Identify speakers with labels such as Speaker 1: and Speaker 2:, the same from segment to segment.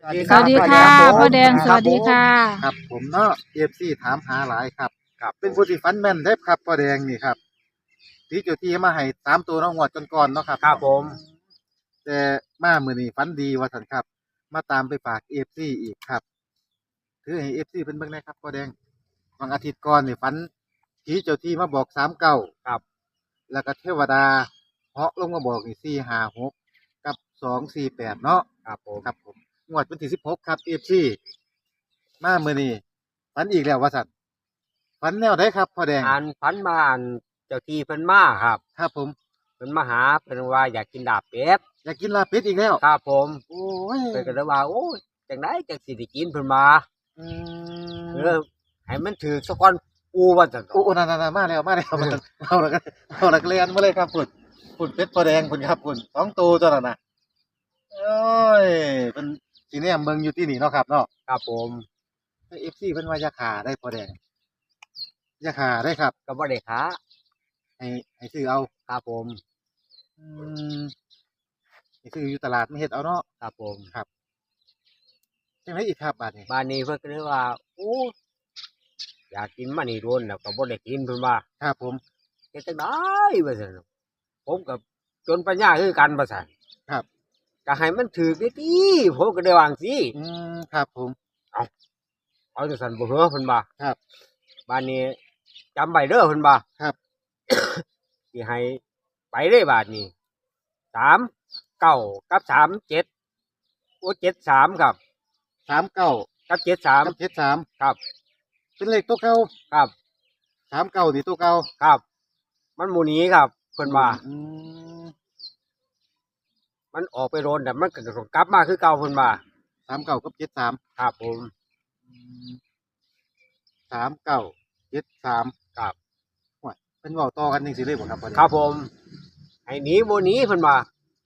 Speaker 1: สวัสดีค่ะพ่อแดงสวัสดีค่ะ
Speaker 2: ครับผมเนาะFCถามหาหลายครับเป็นผู้ที่ฟันแม่นเด้ครับพ่อแดงนี่ครับที่เจ้าที่มาให้3ตัวเน้องงวดก่อนๆเนาะครับ
Speaker 3: ครับผม
Speaker 2: แต่มามื้อนี้ฝันดีว่าซั่นครับ มาตามไปฝาก FC อีกครับถือให้ FC เพิ่นเบิ่งได้ครับพ่อแดงวันอาทิตย์ก่อนนี่ฝันผีเจ้าที่มาบอก39
Speaker 3: ครับ
Speaker 2: แล้วก็เทวดาเหาะลงมาบอกนี่456กับ248เนาะ
Speaker 3: ครับผม
Speaker 2: ครับผมงวดวันที่16ครับ FC มามื้อนี้ฝันอีกแล้วว่าซั่นฝันแนวใดครับพ่อแดง
Speaker 3: อ่านพันมาอ่านเจ้าที่เพิ่นมาครับ
Speaker 2: ครับผม
Speaker 3: เพิ่นมาหาเพิ่นว่าอยากกินลาบเป็ด
Speaker 2: อยากกินลาบเป็ดอีกแล้ว
Speaker 3: ครับผม
Speaker 2: โอ้ย
Speaker 3: เพิ่นก็เลยว่าโอ้ยจังได๋จังสิได้กินเพิ่นมา
Speaker 2: อื
Speaker 3: เอ
Speaker 2: ม
Speaker 3: อให้มันถูกซะก่อนอูว่าจัง
Speaker 2: โอ้นั่นๆๆมาแล้วเอาแล้วก็เลียนมาเลยครับพุ่นเป็ดพ่อแดงพุ่นครับพุ่น2ตัวตัวนั้นน่ะโอ้ยเพิ่นสิแนมเบิ่งอยู่ที่นี่เนาะครับเนาะ
Speaker 3: ครับผม
Speaker 2: แต่ FC เพิ่นว่าอย่าฆ่าได้พ่อแดงอย่าฆ่าได้ครับ
Speaker 3: ก็บ่ได้ค้า
Speaker 2: ให้ซื้อเอา
Speaker 3: ครับผม
Speaker 2: อืมให้ซื้ออยู่ตลาดมาเฮ็ดเอาเนาะ
Speaker 3: ครับผม
Speaker 2: ครับจังไดอีกครับบาดนี้
Speaker 3: บ้านนี้เพิ่นก็เลยว่าโอ้อยากกินมานี่โดนแล้วก็บ่ได้กินเพิ่นว่า
Speaker 2: ครับผม
Speaker 3: เฮ็ดจังได๋ว่าซั่นผมก็จนปัญญาคือกันว่าซั่น
Speaker 2: ครับ
Speaker 3: ก็ให้มันถูกติผมก็ได้วาจั่งซี้
Speaker 2: ครับผม
Speaker 3: เอาจังซั่นบ่เหรอเพิ่นว่า
Speaker 2: ครับ
Speaker 3: บ้านนี้จำไว้เด้อเพิ่นว่า
Speaker 2: ครับ
Speaker 3: สิให้ไปเลยบาดนี้39กับ37โอ้73ครับ
Speaker 2: 39
Speaker 3: กับ
Speaker 2: กับ
Speaker 3: 73
Speaker 2: 73
Speaker 3: ครับ
Speaker 2: เป็นเลขตัวเก่า
Speaker 3: ครับ
Speaker 2: 39นี่ตัวเก่า
Speaker 3: ครับมันหมู่นี้ครับเพิ่นว่ามันออกไปโดนแต่มันก็ต้องกลับมาคือเก่าเพิ่นว่า
Speaker 2: 39กับ73
Speaker 3: ครับผม
Speaker 2: 39 73
Speaker 3: ครับ
Speaker 2: โอ้ยเพิ่นเว้าต่อกันจังซี่เลยบ่ครับบัดนี้
Speaker 3: ครับผมให้หนีบ่หนีเพิ่นว่า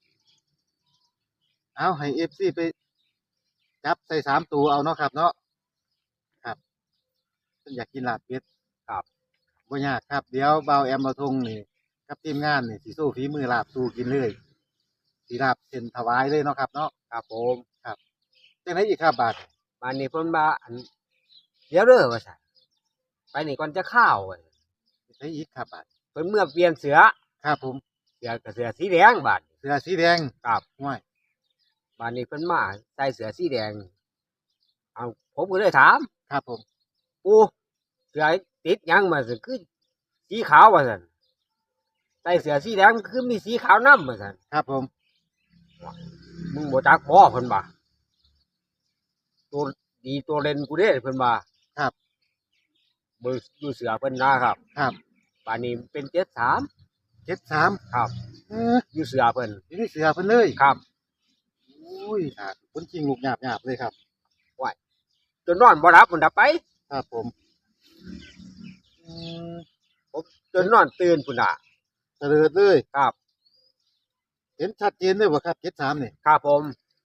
Speaker 2: เอาให้ FC ไปจับใส่3ตัวเอาเนาะครับเนาะครับเพิ่นอยากกินลาบเป็ด
Speaker 3: ครับ
Speaker 2: บ่ยากครับเดี๋ยวเบาแอมเบาทงนี่กับทีมงานนี่สิสู้ฝีมือลาบสู้กินเลยสิลาบเส้นถวายเลยเนาะครับเนาะ
Speaker 3: ครับผม
Speaker 2: ครับจังได๋อีกครับบาด
Speaker 3: บ้านนี้เพิ่นว่าอันเดี๋ยวเด้อว่าซั่นไปนี่ก่อนจะข้าวว่าซั่น
Speaker 2: ไดอีกครับบาด
Speaker 3: เพิ่นเมื่อเปลี่ยนเสือ
Speaker 2: ครับผม
Speaker 3: เสือก็เสือสีแดงบาด
Speaker 2: เสื้อสีแดง
Speaker 3: ครับ
Speaker 2: ห้วย
Speaker 3: บ้านนี้เพิ่นมาใส่เสือสีแดงเอาผมก็เลยถาม
Speaker 2: ครับผม
Speaker 3: ปู่เสือติดหยังมาซั่นคือสีขาวว่าซั่นใส่เสือสีแดงคือมีสีขาวนำว่าซั่น
Speaker 2: ครับผม
Speaker 3: มึงบ่จักบ่เพิ่นว่าตัวดีตัวเล่นกูเด้เพิ่นว่า
Speaker 2: ครับ
Speaker 3: เบิ่งดูเสือเพิ่นนะครับ
Speaker 2: ครับ
Speaker 3: ป่านนี้เป็น73ครับอยู่เสือเพิ่น
Speaker 2: อยู่ในเสื้อเพิ่นเลย
Speaker 3: ครับ
Speaker 2: โอ้ยครับคนจริงลูกหยาบๆเลยครับ
Speaker 3: ว้ายจนนอนบ่หลับพุ่นน่ะไป
Speaker 2: ครับผมอืม
Speaker 3: ผมจนนอนตื่นพุ่นน่ะ
Speaker 2: เตลิดเลย
Speaker 3: ครับ
Speaker 2: เห็นชัดเจนเลยบ่ครับ73นี่
Speaker 3: ครับผม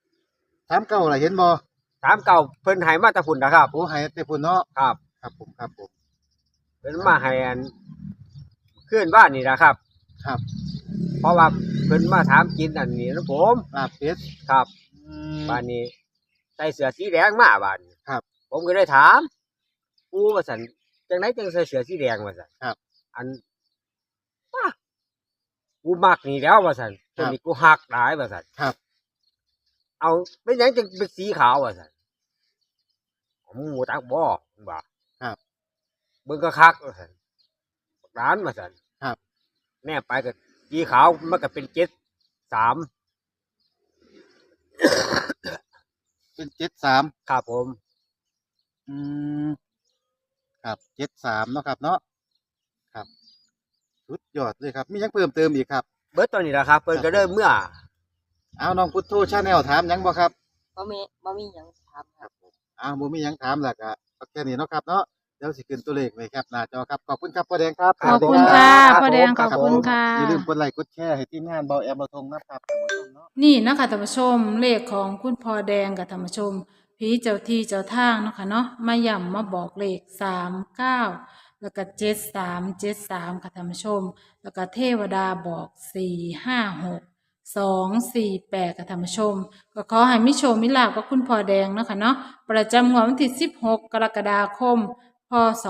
Speaker 2: 39ล่ะเห็นบ่
Speaker 3: 39เพิ่นให้มาแต่พุ่นน่ะครับ
Speaker 2: โอ้ให้แต่พุ่นเนาะ
Speaker 3: ครับ
Speaker 2: ครับผม
Speaker 3: เพิ่นมาให้อันคืนบ้านนี่ล่ะครับ
Speaker 2: ครับ
Speaker 3: เพราะว่าเพิ่นมาถามกินอันนี้นะผม
Speaker 2: ลาบเป็ด
Speaker 3: ครับบ้านนี้ใส่เสื้อสีแดงมาบ้าน
Speaker 2: ครับ
Speaker 3: ผมก็เลยถามปู่ว่าซั่นจังได๋จังใส่เสื้อสีแดงว่าซั่น
Speaker 2: ครับ
Speaker 3: อันป้ากูมักนี่แล้วว่าซั่นตัวนี้กูฮักหลายว่าซั่น
Speaker 2: ครับ
Speaker 3: เอาเป็นหยังจังเป็นสีขาวว่าซั่นมึงบ่จักบ่ว่า
Speaker 2: ครับ
Speaker 3: เบิ่งคักๆว่าซั่นบักหลานว่าซั่น
Speaker 2: ครับ
Speaker 3: แน่ไปก็สีขาวมันก็เป็น73
Speaker 2: เป็น73
Speaker 3: ครับผม
Speaker 2: อืมครับ73เนาะครับเนาะครับสุดยอดเลยครับมีหยังเพิ่มเติมอีกครับ
Speaker 3: เบิดตอนนี้ล่ะครับเพิ่นก็เริ่มเมื่อ
Speaker 2: เอาน้องพุทโธ Channel ถามหยังบ่ครับ
Speaker 1: บ่มีหยังถามครับ
Speaker 2: ผมบ่มีหยังถามแล้วก็เอาแค่นี้เนาะครับเนาะเดี๋ยวสิขึ้นตัวเลขไว้ครับหน้าจอครับขอบคุณครับพ่อแดงครับ
Speaker 1: ขอบคุณค่ะพ่อแดงขอบคุณค่ะ
Speaker 2: อย่าลืมกดไลค์กดแชร์ให้ทีมงานเบาแอมเบาทงนะครับท่านผู้ชมเนาะ
Speaker 1: นี่นะคะท่านผู้ชมเลขของคุณพ่อแดงกับท่านผู้ชมผีเจ้าที่เจ้าทางเนาะค่ะเนาะมาย่ำมาบอกเลข39แล้วก็73ค่ะท่านผู้ชมแล้วก็เทวดาบอก456 248ค่ะท่านผู้ชมก็ขอให้มิโชคมิลาภกับคุณพ่อแดงเนาะค่ะเนาะประจำงวดวันที่16กรกฎาคมพศ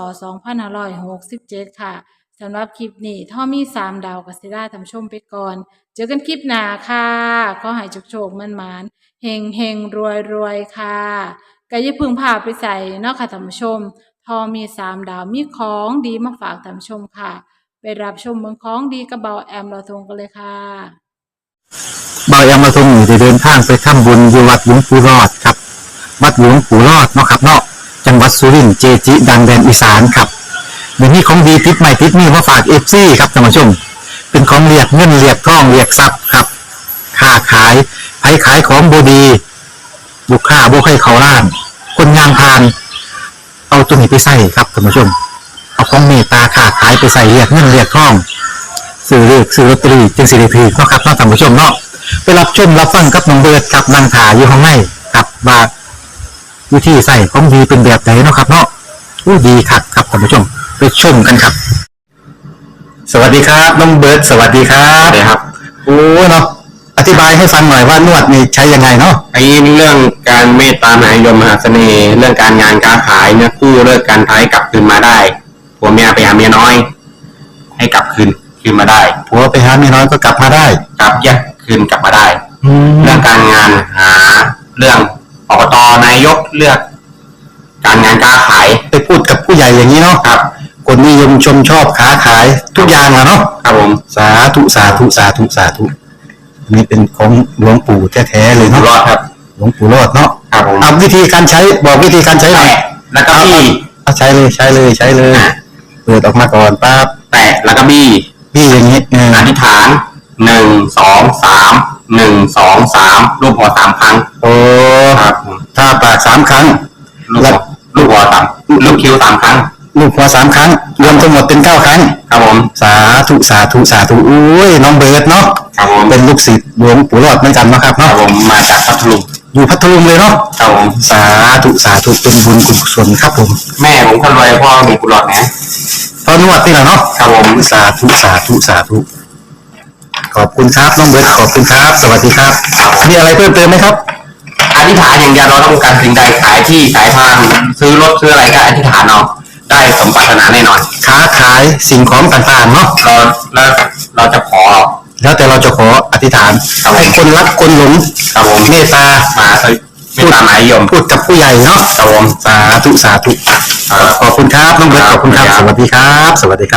Speaker 1: 2567ค่ะสำหรับคลิปนี้ถ้ามี3ดาวก็สิได้ท่านผู้ชมไปก่อนเจอกันคลิปหน้าค่ะขอให้โชคๆมั่นๆเฮงๆรวยๆค่ะก็อย่าเพึ่งพาไปใส่เนาะค่ะท่านผู้ชมทอมี3ดาวมีของดีมาฝากท่านผู้ชมค่ะไปรับชมเมืองของดีกับเบาแอมเราทงกันเลยค่ะ
Speaker 4: บายามาทรงอยู่ได้เดินทางไปทำบุญอยู่วัดหลวงปู่รอดครับวัดหลวงปู่รอดเนาะครับเนาะจังหวัดสุรินทร์เจจิดังแดนอีสานครับเดี๋ยวนี้ของดีติดใหม่ติดนี่มาฝากเอฟซีครับท่านผู้ชมเป็นของเรียกเงินเรียกทองเรียกทรัพย์ครับค้าขายไผขายของบดีลูกค้าบ่ให้เขาล้าน คนงานพาน เอาตัวนี้ไปใส่ครับท่านผู้ชมเอาของเมตตาค้าขายไปใส่เรียกเงินเรียกทองซื้อเลขซื้อลอตเตอรี่จึงสิริพีเนาะครับท่านผู้ชมเนาะไปรับชมรับฟังกับน้องเบิร์ดกับนางถาอยู่ข้างในกับว่าวิธีใส่ของดีเป็นแบบไหนเนาะครับเนาะดีคักครับท่านผู้ชมไปชมกันครับ สวัสดีครับน้องเบิร์ดสวัสดีครับสวัสดีครับโอ้เนาะอธิบายให้ฟังหน่อยว่านวดนี่ใช้ยังไงเนาะ
Speaker 5: ไอ้เรื่องการเมตตามหานิยมมหาเสน่ห์เรื่องการงานการขายเนี่ยกู้เลิกการท้ายกลับคืนมาได้ผัวเมียไปหาเมียน้อย ให้กลับคืนมาได้
Speaker 4: ผัวไปหาเมียน้อยก็กลับมาได้
Speaker 5: กลับแยกคืนกลับมาได้ เรื่องการงานหาเรื่องอบตนายกเลือก การงานการขาย
Speaker 4: ไปพูดกับผู้ใหญ่อย่างนี้เนาะ
Speaker 5: ครับ
Speaker 4: คนนิยมชมชอบค้าขายทุกอย่างอะเนาะ
Speaker 5: ครับผม
Speaker 4: สาธุสาธุสาธุสาธุนี่เป็นของหลวงปู่แท้ๆเลย
Speaker 5: อยู่
Speaker 4: เนาะ
Speaker 5: รอดครับ
Speaker 4: หลวงปู่รอดเนาะ
Speaker 5: ครับผม
Speaker 4: เอาวิธีการใช้บอกวิธีการใช้หน่อย
Speaker 5: แตะแล้วก็บี้
Speaker 4: เอาใช้เลยใช้เลยใช้เลยเปิดออกมาก่อนปั๊บ
Speaker 5: แตะแล้วก็บี้
Speaker 4: พี่อย่างนี้
Speaker 5: อธิษฐาน1 2 3 1 2 3รูปหัว3ครั้ง
Speaker 4: โอ้
Speaker 5: ครับผม
Speaker 4: ถ้าปาก3 ครั้ง
Speaker 5: ลูกหัวลูกคิ้ว3 ครั้ง
Speaker 4: ลูกหัว3 ครั้ง รวมทั้งหมดเป็น9 ครั้ง
Speaker 5: ครับผม
Speaker 4: สาธุสาธุสาธุอุ้ยน้องเบิร์ดเนาะ
Speaker 5: ครับผม
Speaker 4: เป็นลูกศิษย์หลวงปู่รอดเหมือนกันเนาะครับ
Speaker 5: ครั
Speaker 4: เนาะ
Speaker 5: บผมมาจากพัทลุง
Speaker 4: อยู่พัทลุงเลยเนาะ
Speaker 5: ครับผม
Speaker 4: สาธุสาธุเป็นบุญกุศลครับผม
Speaker 5: แม่ผมคนรวยพ่อมีกุหลาบนะ
Speaker 4: ตอนนวดนี่แหละเนาะ
Speaker 5: ครับผม
Speaker 4: สาธุสาธุสาธุขอบคุณครับน้องเบิร์ดขอบคุณครับ สวัสดีครับมีอะไรเพิ่มเติมไหมครับ
Speaker 5: อธิษฐานอย่างเดียวเราต้องการสิ่งใดขายที่ขายทางซื้อรถซื้ออะไรก็อธิษฐานเอาได้สมปรารถนาแน่นอน
Speaker 4: ค้าขายสิ่งของต่างๆเนาะ
Speaker 5: เราจะขอ
Speaker 4: แล้วแต่เราจะขออธิษฐานให้คนรักคนหลง
Speaker 5: ครับผม
Speaker 4: เมตตา
Speaker 5: มาเมตตามหานิยม
Speaker 4: พูดกับผู้ใหญ่เนาะ
Speaker 5: ครับผม
Speaker 4: สาธุสาธุขอบคุณครับน้องเบิร์ตขอบคุณครับ สวัสดีครับ สวัสดีครับ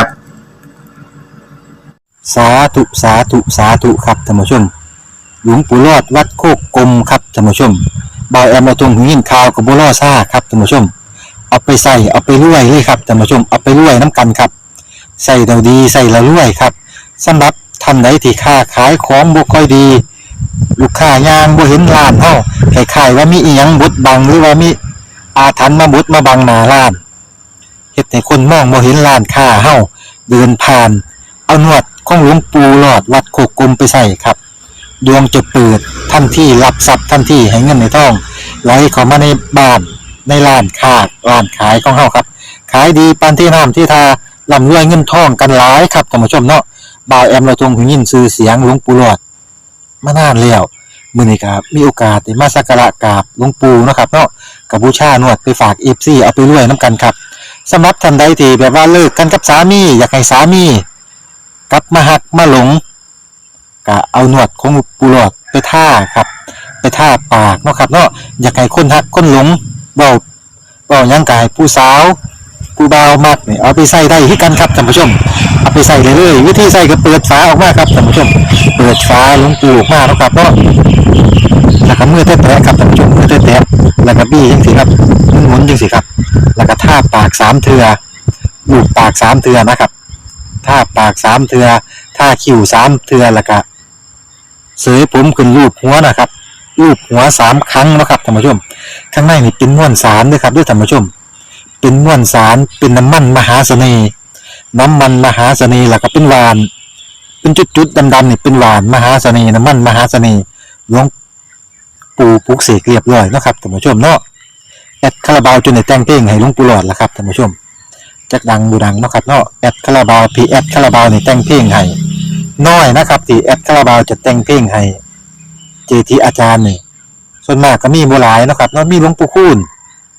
Speaker 4: สาธุสาธุสาธุครับท่านผู้ชม หลวงปู่รอดวัดโคกกลมครับท่านผู้ชมบอยแอมมาตรงหินข่าวกับบัวล่อซ่าครับท่านผู้ชม เอาไปใส่เอาไปรวยเลยครับท่านผู้ชมเอาไปรวยน้ำกันครับใส่เราดีใส่เรารวยครับสำหรับท่านใดที่ค้าขายของบ่ค่อยดี ลูกค้ายางบ่เห็นร้านเฮาคล้ายๆว่ามีอีหยังบดบังหรือว่ามีอาถรรพ์มาบดมาบังหน้าร้านเฮ็ดให้คนมองบ่เห็นร้านค้าเฮาเดินผ่านเอาหนวดของหลวงปู่หลอดวัดโคกกลมไปใส่ครับดวงจะเปิดทันทีรับทรัพย์ทันทีให้เงินในท้องไหลเข้ามาในบ้านในร้านค้าร้านขายของเฮาครับขายดีปานที่น้ำที่ทาร่ำรวยเงินทองกันหลายครับท่านผู้ชมเนาะบ่าวแอมเราทรงหูยินชื่อเสียงหลวงปู่หลอดมานานแล้วมื้อนี้ก็มีโอกาสได้มาสักการะกราบหลวงปู่เนาะครับเนาะกับบูชานวดไปฝาก FC เอาไปรวยนํกันครับสำหรับท่านใดที่แบบว่าเลิกกันกับสามีอยากให้สามีกลับมาหักมาหลงก็เอาหนวดของหลวงปู่หลอดไปท่าครับไปท่าปากเนาะครับเนาะอยากให้คนหักคนหลงเว้าหยังกายผู้สาวผู้บ่าวมักนี่เอาไปใส่ได้คือกันครับท่านผู้ชมเอาไปใส่เลยวิธีใส่ก็เปิดฝาออกมาครับท่านผู้ชมเปิดฝาหลวงปู่ออกมาเนาะครับเนาะแล้วก็มือแตะๆครับท่านผู้ชมมือแตะๆแล้วก็บี้จังซี่ครับหมุนๆจังซี่ครับแล้วก็ท่าปาก3เทื่อลูบปาก3เทื่อนะครับท่าปาก3เทื่อท่าคิ้ว3เทื่อแล้วก็เสยผมขึ้นรูปหัวนะครับรูปหัว3ครั้งนะครับท่านผู้ชมข้างในนี่เป็นม้วนสารด้วยครับด้วยท่านผู้ชมเป็นม้วนสารเป็นน้ำมันมหาเสน่ห์น้ำมันมหาเสน่ห์แล้วก็เป็นหวานเป็นจุดๆดำๆนี่เป็นหวานมหาเสน่ห์น้ำมันมหาเสน่ห์หลวงปู่ปลุกเสกเรียบร้อยนะครับท่านผู้ชมเนาะแอดคาราบาวจนได้แต่งเพลงให้หลวงปู่หลอดแล้วครับท่านผู้ชมจักดังบูดังเนาะครับเนาะแอดคาราบาวพีแอดคาราบาวนี่แต่งเพลงให้น้อยนะครับที่แอดคาราบาวจะแต่งเพลงให้เจทีอาจารย์นี่ส่วนมากก็มีบ่หลายเนาะครับเนาะมีหลวงปู่คูณ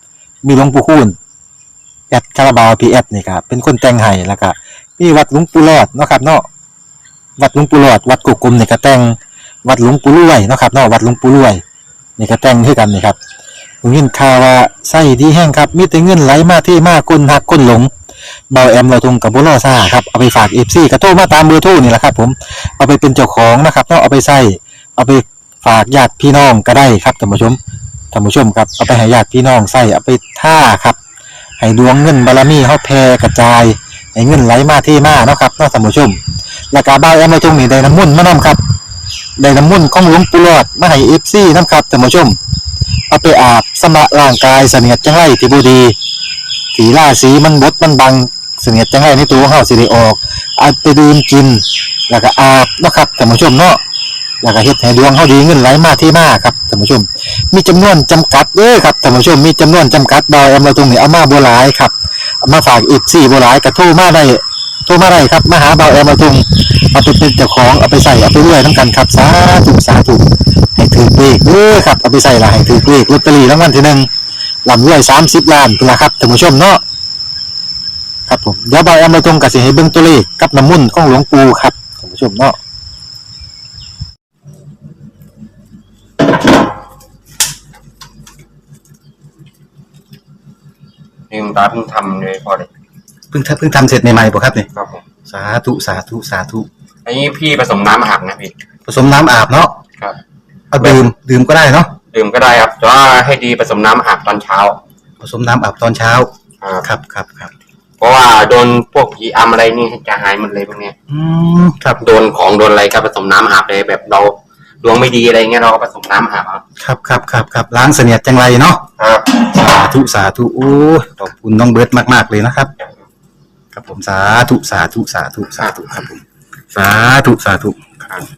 Speaker 4: แอดคาราบาวพีแอดนี่ครับเป็นคนแต่งให้แล้วก็มีวัดหลวงปู่รอดเนาะครับเนาะวัดหลวงปู่รอดวัดกุกกลมนี่ก็แต่งวัดหลวงปู่รวยเนาะครับเนาะวัดหลวงปู่รวยนี่ก็แต่งคือกันนี่ครับผมยินข่าวว่าไส้ดีแห้งครับมีแต่เงินไหลมาที่มาคนหักคนหลงเบาแอมเราทงกับบุรอซ่าครับเอาไปฝาก FC ก็โทรมาตามเบอร์โทรนี่แหละครับผมเอาไปเป็นเจ้าของนะครับเนาะเอาไปใส่เอาไปฝากญาติพี่น้องก็ได้ครับท่านผู้ชมครับเอาไปให้ญาติพี่น้องใส่เอาไปท่าครับให้ดวงเงินบารมีเฮาแผ่กระจายให้เงินไหลมาที่มาเนาะครับเนาะท่านผู้ชมแล้วก็เบาแอมเราทงนี่ได้น้ำมนต์มานํครับได้น้ำมนต์ของหลวงปู่หลอดมาให้ FC นํครับท่านผู้ชมเอาไปอาบสำระร่างกายเสนียดจังไรที่บ่ดีสีราศีมันบดมันบังเสนียดจังไรในตัวเฮาสิได้ออกเอาไปดื่มกินแล้วก็อาบเนาะครับท่านผู้ชมเนาะแล้วก็เฮ็ดให้ดวงเฮาดีเงินไหลมาที่มาครับท่านผู้ชมมีจำนวนจำกัดเด้อครับท่านผู้ชมมีจำนวนจำกัดดอยเราตรงนี้เอามาบ่หลายครับเอามาฝากอีก4บ่หลายก็โทรมาได้ครับมาหาเบาแอมเราตรงเอาไปเป็นเจ้าของเอาไปใส่เอาไปรวยนํกันครับสาธุให้ถือเลขเด้อครับเอาไปใส่ละให้ถือเลขลอตเตอรี่รางวัลที่1ลำรวย30 ล้านพุ่นล่ะครับท่านผู้ชมเนาะครับผมเดี๋ยวเบาแอมเราตรงก็สิให้เบิ่งตัวเลขกับน้ำมนต์ของหลวงปู่ครับท่านผู้ชมเนาะ
Speaker 5: นี่คุณตาเพิ่งทำเลยพอเลย
Speaker 4: เพิ่งทำเสร็จใหม่ๆบ่ครับเนี่ย
Speaker 5: ครับผม
Speaker 4: สาธุ
Speaker 5: อันนี้พี่ผสมน้ำอาบนะพี่
Speaker 4: ผสมน้ำอาบเนาะ
Speaker 5: ครับ
Speaker 4: เอาดื่มก็ได้เนาะ
Speaker 5: ดื่มก็ได้ครับแต่ว่าให้ดีผสมน้ำอาบตอนเช้า
Speaker 4: ผสมน้ำอาบตอนเช้า ครับ
Speaker 5: เพราะว่าโดนพวกผีอำอะไรนี่จะหายหมดเลยพวกเนี้ย
Speaker 4: ครับ
Speaker 5: โดนของโดนอะไรก็ผสมน้ำอาบเลยแบบเราดวงไม่ดีอะไรเงี้ยเราก็ผสมน้ำอาบเอา
Speaker 4: ครับล้างเสนียดจังไรเนาะ
Speaker 5: ครับ
Speaker 4: สาธุโอ้ยขอบคุณน้องเบิร์ตมากๆเลยนะครับ ครับผมสาธุครับผมสาธุครับ